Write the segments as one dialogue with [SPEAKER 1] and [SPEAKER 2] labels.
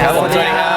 [SPEAKER 1] ครับผม
[SPEAKER 2] สวัสดีครับ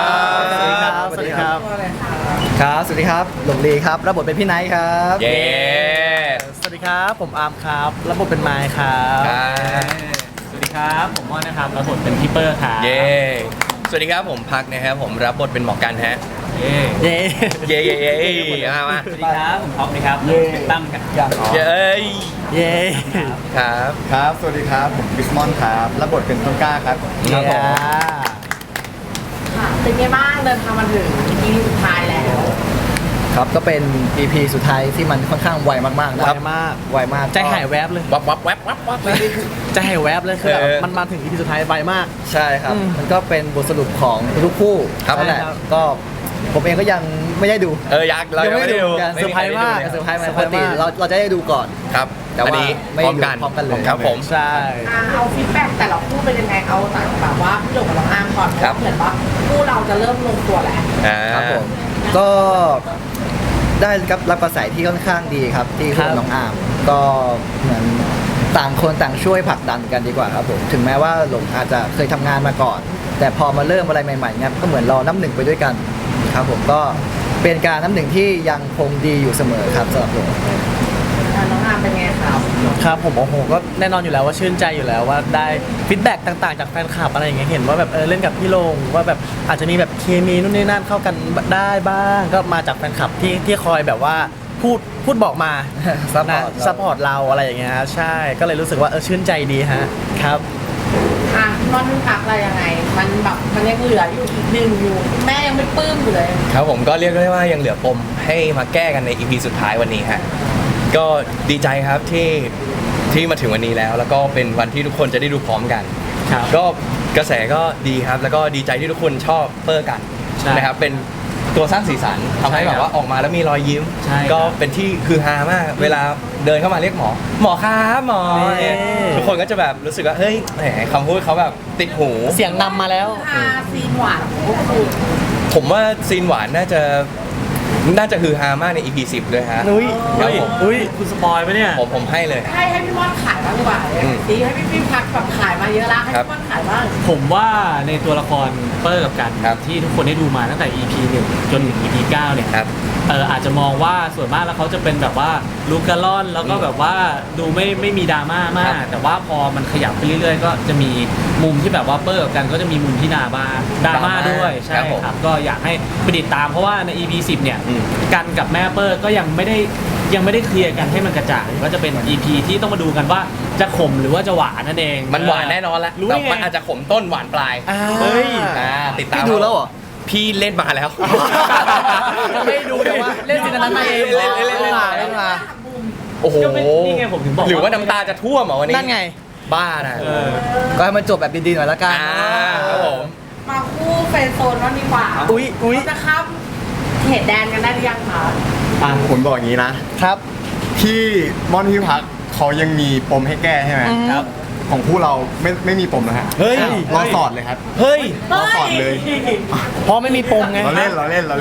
[SPEAKER 1] สวัสดีครับ
[SPEAKER 2] สวัสดีครับ
[SPEAKER 1] ครับสวัสดีครับหลงลีครับรับบทเป็นพี่ไนท์ครับ
[SPEAKER 2] เย้
[SPEAKER 3] สวัสดีครับผมอาร์มครับรับบทเป็นไมค์ครับ
[SPEAKER 2] ครับ
[SPEAKER 3] สวัสดีครับผมม่อนนะครับรับบทเป็นพี่เปอร์ครับ
[SPEAKER 2] เย้สวัสดีครับผมพักนะครับผมรับบทเป็นหมอกันฮะ
[SPEAKER 3] เย้เย้
[SPEAKER 2] เย้เย้เย้มา
[SPEAKER 3] สวัสดีครับผมท็อปนะครับเป็นตั้มกัน
[SPEAKER 2] เย้
[SPEAKER 3] เย้
[SPEAKER 2] ครับ
[SPEAKER 1] ครับ สวัสดีครับผมบิสมอนครับรับบทเป็นต้นกล้าครับ
[SPEAKER 2] ครับผม
[SPEAKER 4] ค่ะเป็นไงบ้างเดินทางมาถึง EP สุดท้ายแล้ว
[SPEAKER 1] ครับก็เป็น EP สุดท้ายที่มันค่อนข้างไวมากๆนะ
[SPEAKER 3] ไวมาก
[SPEAKER 1] ไวมาก
[SPEAKER 3] ใจหายแวบเลย
[SPEAKER 2] วับวับแวบวับวับ
[SPEAKER 3] ใจหายแวบเลยคือแบบ
[SPEAKER 2] เออ
[SPEAKER 3] มันมาถึง EP สุดท้ายไวมาก
[SPEAKER 1] ใช่ครับ
[SPEAKER 3] อืม
[SPEAKER 1] มันก็เป็นบทสรุปของทุกคู่
[SPEAKER 2] ครับ
[SPEAKER 1] นั่นแหละ
[SPEAKER 3] ใช่ครับ
[SPEAKER 1] ก็ผมเองก็ยังไม่ได้ดู
[SPEAKER 2] ยักษ์เรายังไม่ได้ดู
[SPEAKER 1] เหมือนกัน
[SPEAKER 3] เซอร์ไพรส์มาก
[SPEAKER 1] เซอร์ไพรส์ไหม
[SPEAKER 3] เซอร์
[SPEAKER 1] ป
[SPEAKER 3] ไพร
[SPEAKER 1] ก
[SPEAKER 3] ส์
[SPEAKER 1] ติ
[SPEAKER 3] มาก
[SPEAKER 1] เราจะได้ดูก่อน
[SPEAKER 2] ครับ
[SPEAKER 1] แต่
[SPEAKER 2] อัน
[SPEAKER 1] ว่า
[SPEAKER 2] นี้
[SPEAKER 1] ไม่
[SPEAKER 2] พร้อ
[SPEAKER 1] ได้
[SPEAKER 2] ม
[SPEAKER 1] ดู
[SPEAKER 2] กัน
[SPEAKER 1] พร้อมกันเลย
[SPEAKER 2] ครับผม
[SPEAKER 3] ใช่
[SPEAKER 4] เอาฟีดแบ็กแต่ละคู่เป็นยังไงเอาจากแบบว่าพี่หลงกับน้องอาร์มก่อน
[SPEAKER 2] ครับ
[SPEAKER 4] เหมือนว่าคู่เราจะเริ่มลงตัวแล้ว
[SPEAKER 1] ครับผมก็ได้รับกระแสที่ค่อนข้างดีครับที่
[SPEAKER 3] ครั
[SPEAKER 1] คุ
[SPEAKER 3] บ
[SPEAKER 1] ณน้องอาร์มก็เหมือนต่างคนต่างช่วยผลักดันกันดีกว่าครับผมถึงแม้ว่าหลงอาจจะเคยทำงานมาก่อน แต่พอมาเริ่มอะไรใหม่ๆเนี่ยก็เหมือนเราน้ำหนึ่งไปด้วยกันครับผมก็เป็นการน้ำหนึ่งที่ยังคงดีอยู่เสมอครับสำหรับหลง
[SPEAKER 4] น้องอาร์มเป็นไงครับ
[SPEAKER 3] ครับผมโอ้โหก็แน่นอนอยู่แล้วว่าชื่นใจอยู่แล้วว่าได้ฟีดแบ็กต่างๆจากแฟนคลับอะไรอย่างเงี้ยเห็นว่าแบบเล่นกับพี่โลงว่าแบบอาจจะมีแบบเคมีนู่นนี่นั่นเข้ากันได้บ้างก็มาจากแฟนคลับที่คอยแบบว่าพูดบอกมา
[SPEAKER 1] ซัพพอ
[SPEAKER 3] นะ
[SPEAKER 1] ร์ต
[SPEAKER 3] ซัพพอร์ตเราอะไรอย่างเงี้ยใช่ก็เลยรู้สึกว่าชื่นใจดีฮะครับ
[SPEAKER 4] อ่ะนอนพักอะไรยังไง มันแบบมันยังเหลืออยู่อีกหนึ่งอยู่แม่ยังไม่ปลื้มอยู่เลย
[SPEAKER 2] ครับผมก็เรียกได้ว่ายังเหลือปมให้มาแก้กันใน EP สุดท้ายวันนี้ฮะก็ดีใจครับที่มาถึงวันนี้แล้ว แล้วก็เป็นวันที่ทุกคนจะได้ดูพร้อมกัน
[SPEAKER 3] ครับ
[SPEAKER 2] ก็กระแสก็ดีครับ แล้วก็ดีใจที่ทุกคนชอบเปอร์กัน
[SPEAKER 3] ใช่
[SPEAKER 2] นะครับเป็นตัวสร้างสีสันทำให้
[SPEAKER 3] ใช่
[SPEAKER 2] แบ
[SPEAKER 3] ครับ
[SPEAKER 2] บว่าออกมาแล้วมีรอยยิ้ม
[SPEAKER 3] ใช่ครับ
[SPEAKER 2] ก็เป็นที่คือฮามาก เวลาเดินเข้ามาเรียกหมอ หมอครับหมอ
[SPEAKER 3] นี่
[SPEAKER 2] เนี่ยทุกคนก็จะแบบรู้สึกว่าเฮ้ยแหมคำพูดเขาแบบติดหู
[SPEAKER 3] เสียงนำมาแล้ว
[SPEAKER 4] อาซีนหวานของพวกคุณ
[SPEAKER 2] ผมว่าซีนหวานน่าจะฮือฮามากใน EP 10ด้วยฮะ
[SPEAKER 3] อุ้ย
[SPEAKER 2] ครับผม
[SPEAKER 3] อุ้ยคุณสปอยไหมเนี่ย
[SPEAKER 2] ผมให้เลย
[SPEAKER 4] ให้พี่ม่อนขายบ้างดีกว่า
[SPEAKER 2] อืม
[SPEAKER 4] ดีให้พี่พักแบบขายมาเยอะแล้วให้
[SPEAKER 2] ครับ
[SPEAKER 4] พี่ม่อนขายบ้าง
[SPEAKER 3] ผมว่าในตัวละครเปอร์กับกัน
[SPEAKER 2] ครับ
[SPEAKER 3] ที่ทุกคนได้ดูมาตั้งแต่ EP 1 จนถึง EP 9 เนี่ย
[SPEAKER 2] ครับ
[SPEAKER 3] อาจจะมองว่าส่วนมากแล้วเขาจะเป็นแบบว่าลูกกะล่อนแล้วก็แบบว่าดูไม่มีดราม่ามาก แต่ว่าพอมันขยับไปเรื่อยๆ ก็จะมีมุมที่แบบว่าเปอร์กับกันก็จะมีมุมที่ดราม่าด้วยใช่
[SPEAKER 2] ครับผม
[SPEAKER 3] ครับก็อยากให้ไปติดตามเพราะว่าใน EP 10 เนี่ย
[SPEAKER 2] อืม
[SPEAKER 3] กันกับแม่เปอร์ก็ยังไม่ได้เคลียร์กันให้มันกระจ่างก็จะเป็น EP ที่ต้องมาดูกันว่าจะขมหรือว่าจะหวานนั่นเอง
[SPEAKER 2] มันหวานแน่นอนแหละ
[SPEAKER 3] รู้
[SPEAKER 2] แต่
[SPEAKER 3] ได้ไง
[SPEAKER 2] มันอาจจะขมต้นหวานปลาย
[SPEAKER 3] เฮ้ย
[SPEAKER 2] ติดตาม
[SPEAKER 1] พี่ดูแล้วเหรอ
[SPEAKER 2] พี่เล่นมาแล้ว
[SPEAKER 3] ไม่ดูแต่ว่าเล่นซีนนั้นมาเอง
[SPEAKER 2] เล่นมา
[SPEAKER 1] เล่นมา
[SPEAKER 2] โอ้โห
[SPEAKER 3] ก็ไม่นี่ไงผมถึงบอก
[SPEAKER 2] หรือว่าน้ำตาจะท่วมเหรอวันนี้
[SPEAKER 1] นั่นไง
[SPEAKER 2] บ้านะ
[SPEAKER 3] เออ
[SPEAKER 1] ก็ให้มันจบแบบดีๆหน่อยละกัน
[SPEAKER 2] ครับผม
[SPEAKER 4] มาคู่เฟรนด์โซนบ้างดีกว่า
[SPEAKER 3] อุ๊ย
[SPEAKER 4] เราจะข้ามเขตแดนกันได้หรือยังคะ
[SPEAKER 5] ผมบอกอย่างนี้นะ
[SPEAKER 1] ครับ
[SPEAKER 5] ที่ม่อนพี่พักเขายังมีปมให้แก้ใช่ไหม
[SPEAKER 3] ครับ
[SPEAKER 5] ของคู่เราไม่มีปมนะฮะ
[SPEAKER 2] เฮ้ย
[SPEAKER 5] รอสอดเลยครับ
[SPEAKER 2] เฮ้ย
[SPEAKER 5] รอสอดเลย
[SPEAKER 3] เพราะไม่มีปมไง
[SPEAKER 5] เราเล่น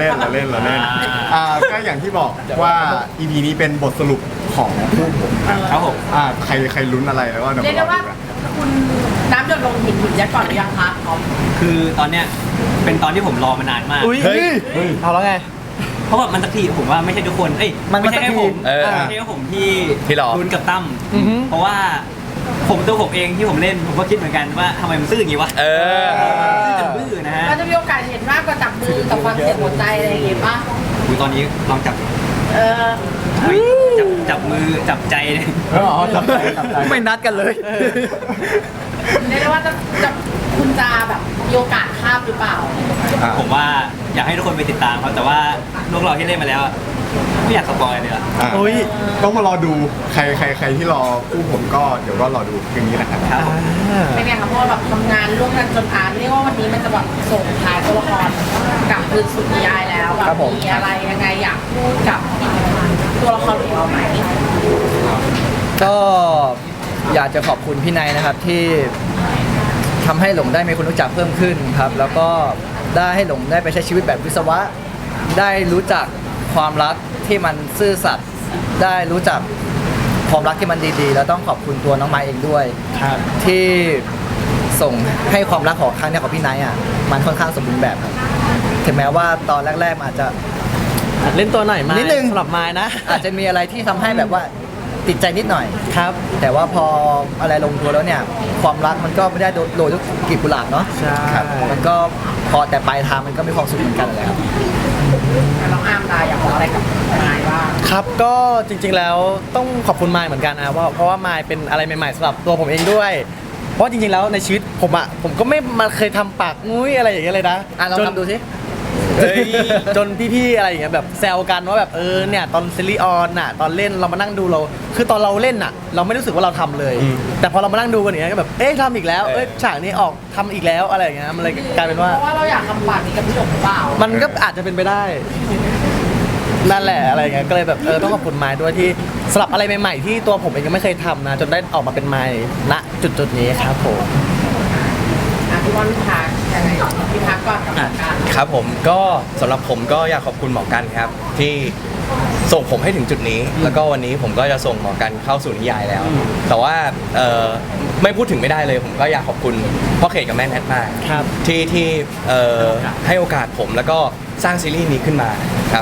[SPEAKER 5] ก็อย่างที่บอกว่า EP นี้เป็นบทสรุปของคู่ผม
[SPEAKER 3] ครับผม
[SPEAKER 5] ใครลุ้นอะไรแล้วก็เดี๋ยว
[SPEAKER 4] เรียก
[SPEAKER 5] ร
[SPEAKER 4] ได้
[SPEAKER 5] อ
[SPEAKER 4] ว่า
[SPEAKER 5] ดูกัน
[SPEAKER 4] คุณน้ำหยดลงหินยัดก่อนหรือยังคะอ๋อ
[SPEAKER 6] คือตอนเนี้ยเป็นตอนที่ผมรอมานานมาก
[SPEAKER 3] อุ้ย
[SPEAKER 2] เฮ้ย
[SPEAKER 3] เอาแล้วไง
[SPEAKER 6] เพราะว่ามันสักทีผมว่าไม่ใช่ทุกคน เอ้ย
[SPEAKER 1] มัน
[SPEAKER 6] ไม่ใช่แค่ผม
[SPEAKER 2] เออ
[SPEAKER 6] ไม่ใช่แค่ผมที่
[SPEAKER 2] ที่รอ
[SPEAKER 6] ลุ้นกับตั้ม
[SPEAKER 3] อือฮึ
[SPEAKER 6] เพราะว่าตัวผมเองที่ผมเล่นผมก็คิดเหมือนกันว่าทำไมมันซื่ออย่างงี้วะ
[SPEAKER 2] เออ
[SPEAKER 6] ซื่อจนบื้อนะฮะ
[SPEAKER 4] เราจะมีโอกาสเห็นมากกว่าจับมือกับฟังเสียงหัวใจอะไรอย่างเงี้ยป่ะ
[SPEAKER 6] อุ๊ยตอนนี้ลองจับ
[SPEAKER 4] เออ
[SPEAKER 6] จับมือจับใจเลย
[SPEAKER 1] ไม่นัดกันเลย
[SPEAKER 4] เรียกได้ว่าจะคุณจะแบบมีโอกาสข้ามหรือเปล่า
[SPEAKER 6] ผมว่าอยากให้ทุกคนไปติดตามเขาแต่ว่าพวกเราที่เล่นมาแล้วอะไม่อยากสปอยเลยอะ
[SPEAKER 3] อุ้ย
[SPEAKER 5] ต้องมารอดูใครที่รอคู่ผมก็เดี๋ยวก็รอดูอย่างนี้นะครับ
[SPEAKER 6] ครับผม
[SPEAKER 4] เป็นไงคะเพราะว่าแบบทำงานร่วมกันจนเรียกว่าวันนี้มันจะแบบส่งท้ายตัวละครกลับคืนสู่นิยายแล้วแบ
[SPEAKER 1] ครับ บผม
[SPEAKER 4] มีอะไรยังไงอยากพูดกับตัวละครของเราไหม
[SPEAKER 1] ก็อยากจะขอบคุณพี่นายนะครับที่ทำให้หลงได้มีคนรู้จักเพิ่มขึ้นครับ แล้วก็ได้ให้หลงได้ไปใช้ชีวิตแบบวิศวะ ได้รู้จักความรักที่มันซื่อสัตย์ได้รู้จักความรักที่มันดีๆ แล้วต้องขอบคุณตัวน้องไม้เองด้วย
[SPEAKER 3] ครับ
[SPEAKER 1] ที่ส่งให้ความรักของครั้งเนี้ยของพี่ไนท์อ่ะมันค่อนข้างสมบูรณ์แบบครับถึงแม้ว่าตอนแรกๆมันอาจจะ
[SPEAKER 3] เล่นตัวหน่อยมา
[SPEAKER 1] นิดนึง
[SPEAKER 3] สำหรับไม้นะ
[SPEAKER 1] อาจจะมีอะไรที่ทำให้แบบว่าติดใจนิดหน่อย
[SPEAKER 3] ครับ
[SPEAKER 1] แต่ว่าพออะไรลงตัวแล้วเนี่ยความรักมันก็ไม่ได้โรยด้วยกลีบกุหลาบเนาะ
[SPEAKER 3] ใช่
[SPEAKER 1] ครับมันก็พอแต่ปลายทางมันก็มีความสุขเหมือนกันเลยครับ
[SPEAKER 4] น้องอาร์มอยากบอกอะไรกับนายบ้าง
[SPEAKER 3] ครับก็จริงๆแล้วต้องขอบคุณไมค์เหมือนกันนะเพราะว่าไมค์เป็นอะไรใหม่ๆสำหรับตัวผมเองด้วย เพราะจริงๆแล้วในชีวิตผมก็ไม่มาเคยทำปากงุ้ยอะไรอย่างเงี้ยเลยนะ
[SPEAKER 1] อ่ะลองทำดูสิ
[SPEAKER 3] เฮ้ยจนพี่ๆอะไรอย่างเงี้ยแบบแซวกันว่าแบบเนี่ยตอนซีรีส์ออนน่ะตอนเล่นเรามานั่งดูเราคือตอนเราเล่นน่ะ เราไม่รู้สึกว่าเราทำเลย แต่พอเรามานั่งดูกันอย่างเงี้ยก็แบบทำอีกแล้วฉากนี้ออกทำอีกแล้วอะไรอย่างเงี้ยมันเลยกลายเป็นว่า
[SPEAKER 4] เพราะว่าเราอยากทำปากนี้กับพี่หยกหรือเปล่า
[SPEAKER 3] มันก็อาจจะเป็นไปได้ นั่นแหละอะไรอย่างเงี้ยก็เลยแบบต้องขอบคุณไม้ด้วยที่สลับอะไรใหม่ๆที่ตัวผมเองยังไม่เคยทำนะจนได้ออกมาเป็นไม้ณจุดๆนี้ครับผม
[SPEAKER 4] พี่บอลพี่พักยังไงพี่พักก่อนกับการ
[SPEAKER 2] ครับผมก็สำหรับผมก็อยากขอบคุณหมอกันครับที่ส่งผมให้ถึงจุดนี้ แล้วก็วันนี้ผมก็จะส่งหมอกันเข้าสู่นิยายแล้ว แต่ว่าไม่พูดถึงไม่ได้เลย ผมก็อยากขอบคุณพ่อเขตกับแม่แนทมาก
[SPEAKER 3] ครับ
[SPEAKER 2] ที่ให้โอกาสผมแล้วก็สร้างซีรีส์นี้ขึ้นมาครับ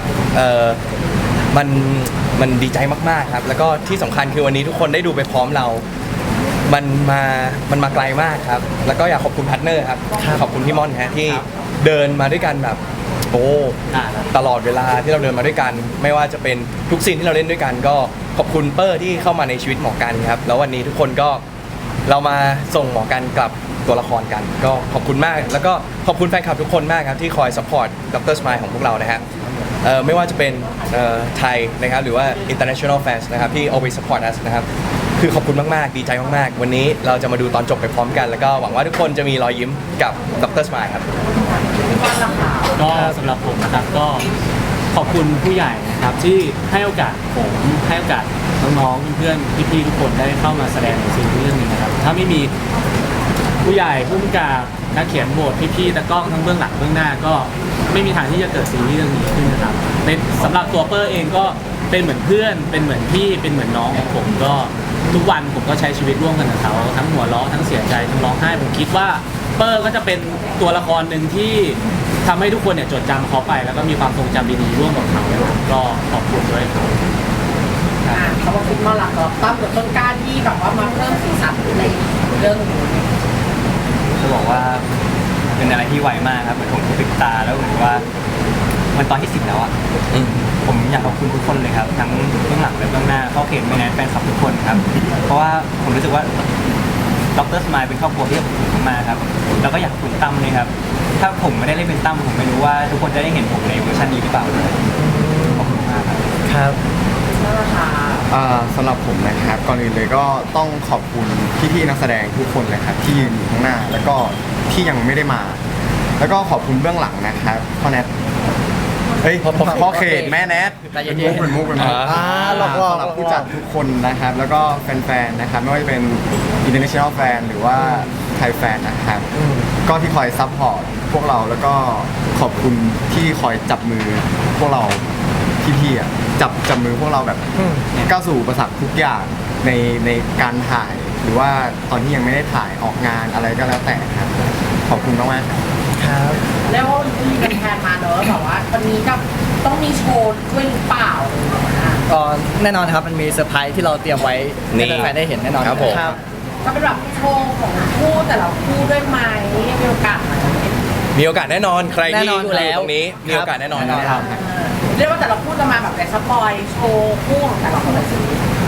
[SPEAKER 2] มันดีใจมากๆครับแล้วก็ที่สำคัญคือวันนี้ทุกคนได้ดูไปพร้อมเรา มันมาไกลมากครับ แล้วก็อยากขอบคุณพาร์ทเนอร์ครับ ขอบคุณพี่ม่อนฮะที่เดินมาด้วยกันแบบตลอดเวลาที่เราเดินมาด้วยกัน ไม่ว่าจะเป็นทุกซีนที่เราเล่นด้วยกัน ก็ขอบคุณเปอร์ที่เข้ามาในชีวิตหมอกันครับ แล้ววันนี้ทุกคนก็เรามาส่งหมอกันกลับตัวละครกัน ก็ขอบคุณมาก แล้วก็ขอบคุณแฟนคลับทุกคนมากครับที่คอยซัพพอร์ตดรสมายของพวกเรานะฮะไม่ว่าจะเป็นไทยนะครับหรือว่า international fans นะครับที่ always support us นะครับคือขอบคุณมากๆดีใจมากๆวันนี้เราจะมาดูตอนจบไปพร้อมกัน แล้วก็หวังว่าทุกคนจะมีรอยยิ้มกับดรสมายครับ
[SPEAKER 7] ก็สำหรับผมนะครับก็ขอบคุณผู้ใหญ่นะครับที่ให้โอกาสผมให้โอกาสน้องๆเพื่อนๆพี่ๆทุกคนได้เข้ามาแสดงในซีรีส์เรื่องนี้นะครับถ้าไม่มีผู้ใหญ่ผู้กำกับนักเขียนบทพี่ๆตะกล้องทั้งเบื้องหลังเบื้องหน้าก็ไม่มีทางที่จะเกิดซีรีส์เรื่องนี้ขึ้นนะครับในสำหรับตัวเปอร์เองก็เป็นเหมือนเพื่อนเป็นเหมือนพี่เป็นเหมือนน้องของผมก็ทุกวันผมก็ใช้ชีวิตร่วมกันกับเขาทั้งหัวเราะทั้งเสียใจทั้งร้องไห้ผมคิดว่าเปอร์ก็จะเป็นตัวละครหนึ่งที่ทำให้ทุกคนเนี่ยจดจำเขาไปแล้วก็มีความทรงจำดีๆร่วมกับเขานะครับก็ขอบคุณด้วยครับ
[SPEAKER 4] เขาบอกคุณมาหลักกับตั้มกับต้นกล้าที่แบบว่ามาเพิ่มสีสันในเรื่องนี้
[SPEAKER 6] จะบอกว่าเป็นอะไรที่ไวมากครับเหมือนผมปิดตาแล้วเหมือนว่ามันตอนที่10แล้วอ่ะผมอยากขอบคุณทุกคนเลยครับทั้งเบื้องหลังและเบื้องหน้าเข้าเข็มไม่แน่แฟนคลับทุกคนครับเพราะว่าผมรู้สึกว่าดรสมายเป็นครอบครัวที่ผมมาครับแล้วก็อยากขอบคุณตั้มเลยครับถ้าผมไม่ได้เล่นเป็นตั้มผมไม่รู้ว่าทุกคนจะได้เห็นผมในเวอร์ชันนี้หรือเปล่าขอบคุณมากครับ
[SPEAKER 3] ครับ
[SPEAKER 4] นั่นแหละค่ะ
[SPEAKER 5] สำหรับผมนะครับก่อนอื่นเลยก็ต้องขอบคุณพี่ๆนักแสดงทุกคนเลยครับที่ยืนอยู่ข้างหน้าแล้วก็ที่ยังไม่ได้มา แล้วก็ขอบคุณเบื้องหลังนะครับพ่อแนทพ่อเขตแม่แนท
[SPEAKER 1] ใจเย็
[SPEAKER 5] เป็น
[SPEAKER 1] นๆ
[SPEAKER 5] มุกเป็นมุก
[SPEAKER 3] หลอกๆ
[SPEAKER 5] สำหรับผู้จัดทุกคนนะครับ แล้วก็แฟนๆนะครับไม่ว่าจะเป็น international fan หรือว่าไทยแฟนนะครับ ก็ที่คอยซัพพอร์ตพวกเราแล้วก็ขอบคุณที่คอยจับมือพวกเราพี่ๆอ่ะจับมือพวกเราแบบก้าวสู่อุปสรรคทุกอย่างในการถ่าย หรือว่าตอนที่ยังไม่ได้ถ่ายออกงานอะไรก็แล้วแต่ครับขอบคุณมากๆ
[SPEAKER 3] ครับ
[SPEAKER 4] แล้วมีเป็นแทนมาเนอะแบบว่าวันนี้กับต้องมีโชว์ด้วยหรือเปล่า
[SPEAKER 1] ก็แน่นอนครับมันมีเซอร์ไพรส์ที่เราเตรียมไว้
[SPEAKER 2] นี่
[SPEAKER 1] ให้แฟนๆได้เห็นแน่นอน
[SPEAKER 2] ครับผม
[SPEAKER 3] ครับ
[SPEAKER 4] ก็เป็นแบบโชว์ของคู่แต่ละคู่ด้วยไหมมีโอกาสไหม
[SPEAKER 2] มีโอกาสแน่นอนใคร
[SPEAKER 1] แน่
[SPEAKER 2] ที่
[SPEAKER 1] นอน
[SPEAKER 2] อยู่
[SPEAKER 1] แล้ว
[SPEAKER 2] ตรงนี้มีโอกาสแน่นอนครับ
[SPEAKER 4] เรียกว่าแต่ละคู่จะมาแบบในสปอยโชว์คู่ของแต่ละคนเลยสิ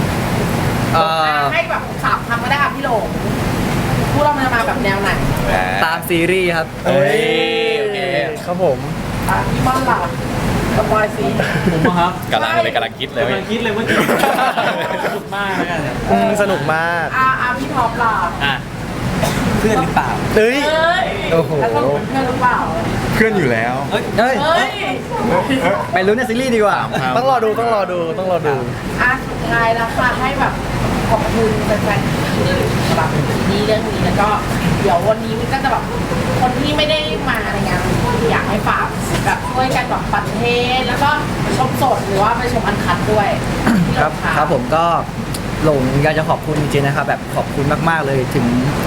[SPEAKER 4] ให้แบบ3 คำก็ได้ค่ะพี่โหลงคู่เราจะมาแบบแนวไหน
[SPEAKER 1] ตามซีรีส์ครับ
[SPEAKER 2] เอ้ยโอเค
[SPEAKER 3] ครับผม
[SPEAKER 4] พี่บอลล่ะสปอยสิ
[SPEAKER 7] ผมอะครับ
[SPEAKER 2] กำลังคิดเลย
[SPEAKER 7] กำลังคิดเลยว่าจะสนุกมากแล้วกันเนี่ย
[SPEAKER 3] สนุกมาก
[SPEAKER 4] พี่ท็อปล่ะ
[SPEAKER 7] อ่ะ
[SPEAKER 6] เพื่อนหรือเปล่า
[SPEAKER 3] เฮ้ย
[SPEAKER 4] เอ้ย
[SPEAKER 3] โอ้โห
[SPEAKER 4] แล้วก็เพื่อนหรือเปล่า
[SPEAKER 5] เพื่อนอยู่แล้ว
[SPEAKER 1] เฮ้ย
[SPEAKER 4] เฮ้ย
[SPEAKER 1] ไปลุ้นในซีรีส์ดีกว่า
[SPEAKER 5] ครับ
[SPEAKER 3] ต้องรอดูต้องรอดูต้องรอดู
[SPEAKER 4] สุดท้ายแล้วค่ะให้แบบขอบคุณแฟนๆสำหรับนี้เรื่องนี้แล้วก็เดี๋ยววันนี้มันก็จะแบบคนที่ไม่ได้มาในงานอยากให้ฝากแบบช่วยกันแบบปัดเทศแล้วก็ชมสดหรือว่าไปชมอันคัดด้วย
[SPEAKER 1] ครับ
[SPEAKER 4] ะ
[SPEAKER 1] ครับผมก็หลงอยากจะขอบคุณจริงๆนะครับแบบขอบคุณมากๆเลยถึง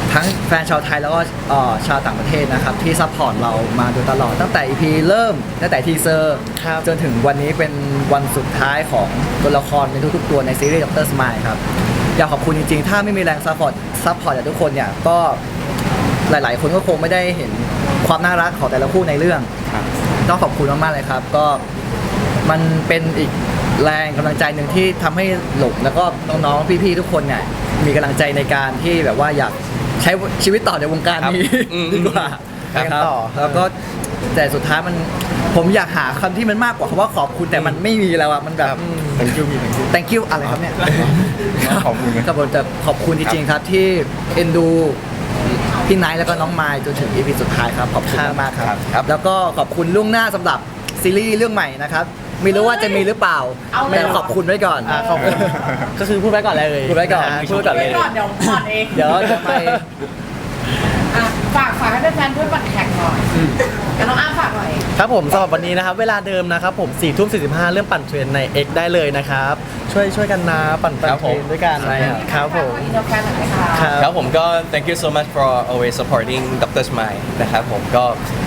[SPEAKER 1] ทั้งแฟนชาวไทยแล้วก็ชาวต่างประเทศนะครับที่ซัพพอร์ตเรามาโดยตลอดตั้งแต่ EP เริ่มตั้งแต่ทีเซอร์
[SPEAKER 3] ครับ
[SPEAKER 1] จนถึงวันนี้เป็นวันสุดท้ายของตัวละครในทุกๆตัวในซีรีส์ดรสมายครับอยากขอบคุณจริงๆถ้าไม่มีแรงซัพพอร์ตจากทุกคนเนี่ยก็หลายๆ คนก็คงไม่ได้เห็นความน่ารักของแต่ละคู่ในเรื่องต้องขอบคุณมากๆเลยครับก็มันเป็นอีกแรงกำลังใจหนึ่งที่ทำให้หลงแล้วก็น้องๆพี่ๆทุกคนเนี่ยมีกำลังใจในการที่แบบว่าอยากใช้ชีวิตต่อในวงการนี้
[SPEAKER 2] ครับอืม
[SPEAKER 1] ดีกว่า
[SPEAKER 3] ครับ
[SPEAKER 1] นะครับ
[SPEAKER 3] ต่อ
[SPEAKER 1] แล้วก็แต่สุดท้ายมันผมอยากหาคำที่มันมากกว่าคำว่าขอบคุณแต่มันไม่มีแล้วอะมันแบบ
[SPEAKER 5] thank you
[SPEAKER 1] thank you อะไรครับเนี่ย
[SPEAKER 5] ขอบคุณนะ
[SPEAKER 1] ครับผมจะขอบคุณจริงๆครับที่เอ็นดูพี่ไนท์แล้วก็น้องมายจนถึง EP สุดท้ายครับขอบคุณมากๆครับ
[SPEAKER 2] ครับ
[SPEAKER 1] แล้วก็ขอบคุณล่วงหน้าสำหรับซีรีส์เรื่องใหม่นะครับไม่รู้ว่าจะมีหรือเปล่า
[SPEAKER 4] เอาเลย
[SPEAKER 1] แต่ขอบคุณไว้ก่อน
[SPEAKER 3] ขอบคุณก็คือพูดไว้ก่อนเลย
[SPEAKER 1] พูดไว้ก่อน
[SPEAKER 3] ะฮะพูดไว้ก่อนเลย
[SPEAKER 4] ก่อนเดี๋ยวก่อนเอง
[SPEAKER 1] เดี๋ยวจะไป
[SPEAKER 4] อ่ะฝากให้แฟนๆช่วยบัตรแข่งหน่อยแล้วน้องอ้ามฝากหน่อย
[SPEAKER 3] ครับผมสำหรับวันนี้นะครับ เวลาเดิมนะครับผม4 ทุ่ม 45 เรื่องปั่นเทรนใน X ได้เลยนะครับ ช่วยกันนะปั่น
[SPEAKER 2] ครับ
[SPEAKER 3] เท
[SPEAKER 2] ผ
[SPEAKER 3] ร
[SPEAKER 2] ม
[SPEAKER 3] นด้วยกัน
[SPEAKER 1] ใช่ครับ
[SPEAKER 3] ครับผม
[SPEAKER 4] อินเตอร์แฟนหน่อยไหมคะ
[SPEAKER 3] ครับ
[SPEAKER 2] ครับผมก็ thank you so much for always supporting Dr. Smile นะครับผมก็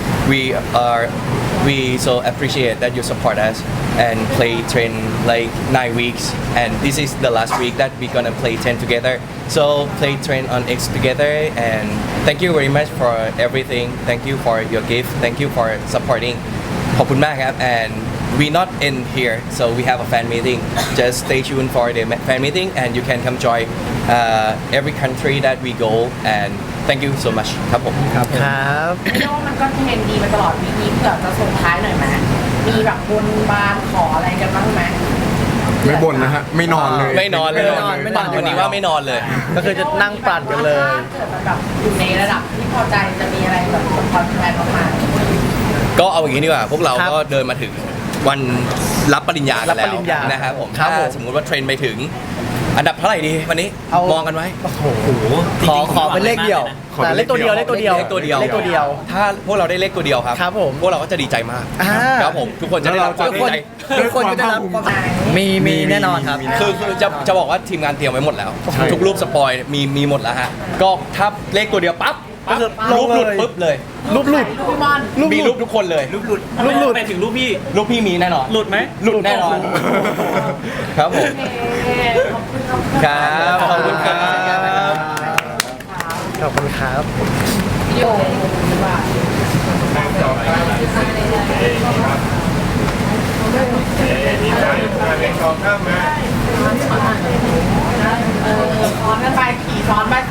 [SPEAKER 2] we so appreciate that you support us and play train like 9 weeks and this is the last week that we're gonna play 10 together so play train on X together and thank you very much for everything thank you for your gift thank you for supporting ขอบคุณมากครับ and we not end here so we have a fan meeting just stay tuned for the fan meeting and you can come join every country that we go and thank you so much ครับผม
[SPEAKER 3] ครับ
[SPEAKER 4] ไม่รู้ว่ามันก็เทรนดีมาตลอดวีคนี้เผื่อจะส่งท้ายหน่อยไหมมีแบบบนบานขออะไรกันบ้างไหม
[SPEAKER 5] ไม่บ่นนะฮะ ไม่นอนเลย
[SPEAKER 2] ไม่นอนเลย
[SPEAKER 1] ไม่นอน
[SPEAKER 2] วันนี้ว่าไม่นอนเลย
[SPEAKER 3] ก็คือจะนั่งปั่นกันเลย
[SPEAKER 4] ถ้าเกิดมันแบบอยู่ในระดับที่พอใจจะมีอะไรแบบสมพรแฟนๆมาก
[SPEAKER 2] ก็เอาอย่างนี้ดีกว่า พวกเรา
[SPEAKER 3] ครับ
[SPEAKER 2] ก็เดินมาถึงวันรับปริญญากัน
[SPEAKER 3] รับ
[SPEAKER 2] แล้
[SPEAKER 3] ป
[SPEAKER 2] ว
[SPEAKER 3] ริญญา
[SPEAKER 2] นะครับผม
[SPEAKER 3] ครับ
[SPEAKER 2] ถ้า
[SPEAKER 3] ผม
[SPEAKER 2] สมมุติว่าเทรนไปถึง อันดับเท่าไหร่ดีวันนี้
[SPEAKER 3] เอา
[SPEAKER 2] มองกันไว้
[SPEAKER 3] โอ้โห
[SPEAKER 1] ขอเป็นเลขเดียว
[SPEAKER 3] แต่เลขตัวเดียวเลขตัวเดียว
[SPEAKER 2] เลขตัวเดียว
[SPEAKER 3] เลขตัวเดียว
[SPEAKER 2] ถ้าพวกเราได้เลขตัวเดียวครับ
[SPEAKER 3] ครับผม
[SPEAKER 2] พวกเราก็จะดีใจมาก
[SPEAKER 3] อ่า
[SPEAKER 2] ครับผมทุกคนจะได้รับความ
[SPEAKER 1] ทุก
[SPEAKER 2] ดี
[SPEAKER 1] คน
[SPEAKER 2] ใจ
[SPEAKER 1] ทุกคนก็จะรับความมีแน่นอนครับ
[SPEAKER 2] คือจะบอกว่าทีมงานเตรียมไว้หมดแล้ว ทุกรูปสปอยมีหมดแล้วฮะก็ถ้าเลขตัวเดียวปั๊บ
[SPEAKER 3] ก็คือ
[SPEAKER 2] รูปหลุด
[SPEAKER 3] ลงเลย
[SPEAKER 2] ปุ๊บเลย
[SPEAKER 3] รูปหลุด
[SPEAKER 4] ๆพี่มอน
[SPEAKER 2] มีรูปทุกคนเลย
[SPEAKER 7] รูปหลุดไปถึงรูปพี่
[SPEAKER 2] รูปพี่มีแน่นอน
[SPEAKER 7] หลุดไหม
[SPEAKER 2] หลุดแน่นอน ครับผม
[SPEAKER 4] โอเคขอบคุณครับ
[SPEAKER 2] ครับขอบคุณครับ
[SPEAKER 3] ขอบคุณครับ
[SPEAKER 4] วิดีโอดีกว่าซ้อนกันไปขี่ซ้อนไป